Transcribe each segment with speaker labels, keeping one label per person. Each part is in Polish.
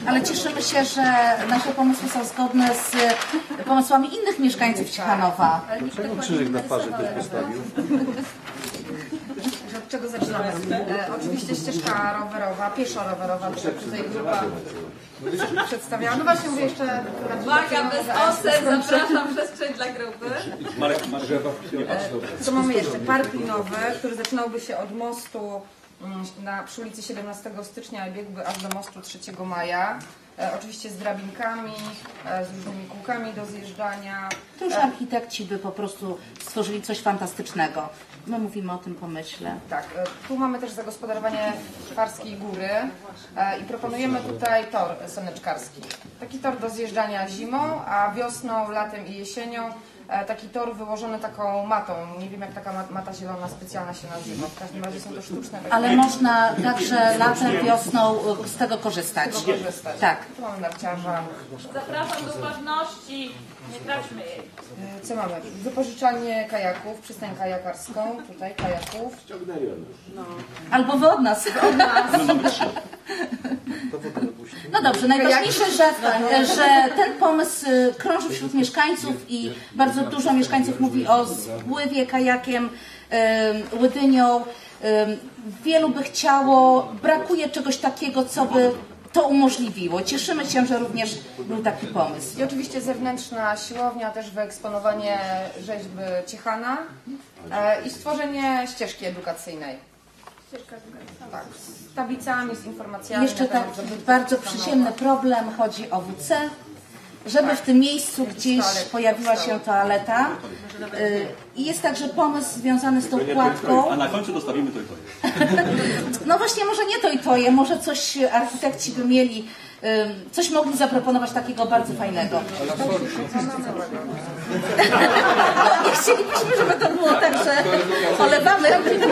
Speaker 1: ale cieszymy się, że nasze pomysły są zgodne z pomysłami innych mieszkańców Ciechanowa.
Speaker 2: Dlaczego krzyżyk na twarzy ktoś postawił?
Speaker 3: Od czego zaczynamy? Oczywiście ścieżka rowerowa, pieszo-rowerowa, tutaj grupa przedstawiała. No właśnie mówię jeszcze...
Speaker 4: Uwaga, bez osad, zapraszam przestrzeń dla grupy.
Speaker 3: Co mamy jeszcze? Park linowy, który zaczynałby się od mostu przy ulicy 17 stycznia i biegłby aż do mostu 3 maja. Oczywiście z drabinkami, z różnymi kółkami do zjeżdżania.
Speaker 1: To już architekci by po prostu stworzyli coś fantastycznego. My mówimy o tym pomyśle.
Speaker 3: Tak, tu mamy też zagospodarowanie Szwarskiej Góry i proponujemy tutaj tor saneczkarski. Taki tor do zjeżdżania zimą, a wiosną, latem i jesienią taki tor wyłożony taką matą. Nie wiem, jak taka mata zielona specjalna się nazywa. W każdym razie są to sztuczne.
Speaker 1: Ale można także latem, wiosną z tego korzystać. Tak.
Speaker 3: Tu mamy narciarza.
Speaker 4: Zapraszam do uważności. Nie traćmy jej.
Speaker 3: Co mamy? Wypożyczalnię kajaków, przystań kajakarską. Tutaj kajaków.
Speaker 1: Albo wy od nas. No dobrze, najważniejsze, że ten pomysł krąży wśród mieszkańców i bardzo dużo mieszkańców mówi o spływie kajakiem, Łydynią. Wielu by chciało, brakuje czegoś takiego, co by to umożliwiło. Cieszymy się, że również był taki pomysł.
Speaker 3: I oczywiście zewnętrzna siłownia, też wyeksponowanie rzeźby Ciechana i stworzenie ścieżki edukacyjnej. Tak, z tablicami, z informacjami.
Speaker 1: Jeszcze taki bardzo przyziemny problem, chodzi o WC. Żeby w tym miejscu gdzieś pojawiła się toaleta. I jest także pomysł związany z tą kładką.
Speaker 5: A na końcu dostawimy to i to.
Speaker 1: No właśnie, może nie to i to je, może coś architekci by mieli, coś mogli zaproponować takiego bardzo fajnego. Nie chcielibyśmy, żeby to było tak, że olewamy.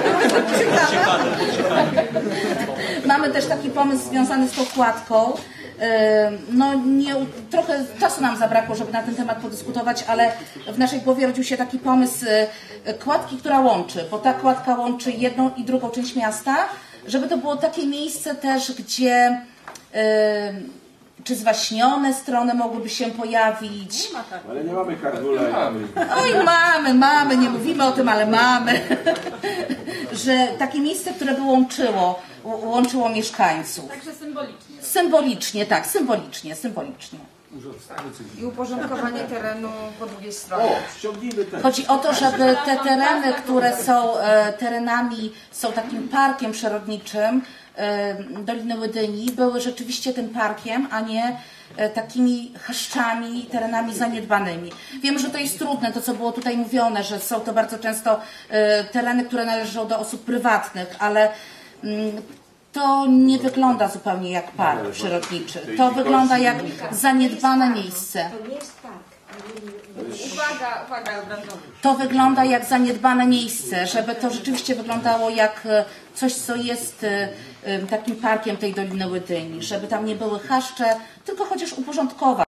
Speaker 1: Mamy też taki pomysł związany z tą kładką. No trochę czasu nam zabrakło, żeby na ten temat podyskutować, ale w naszej głowie rodził się taki pomysł kładki, która łączy, bo ta kładka łączy jedną i drugą część miasta, żeby to było takie miejsce też, gdzie czy zwaśnione strony mogłyby się pojawić.
Speaker 2: Ale nie mamy kardula.
Speaker 1: Oj, mamy, nie mówimy o tym, ale mamy. Że takie miejsce, które by łączyło mieszkańców.
Speaker 4: Także symbolicznie.
Speaker 1: Symbolicznie, tak, symbolicznie.
Speaker 3: I uporządkowanie terenu po drugiej stronie.
Speaker 2: Ściągnijmy ten.
Speaker 1: Chodzi o to, żeby te tereny, które są terenami, są takim parkiem przyrodniczym Doliny Łydyni, były rzeczywiście tym parkiem, a nie takimi chaszczami, terenami zaniedbanymi. Wiem, że to jest trudne, to co było tutaj mówione, że są to bardzo często tereny, które należą do osób prywatnych, ale to nie wygląda zupełnie jak park przyrodniczy. To wygląda jak zaniedbane miejsce.
Speaker 4: Uwaga, obrażony.
Speaker 1: To wygląda jak zaniedbane miejsce, żeby to rzeczywiście wyglądało jak coś, co jest takim parkiem tej Doliny Łydyni, żeby tam nie były chaszcze, tylko chociaż uporządkować.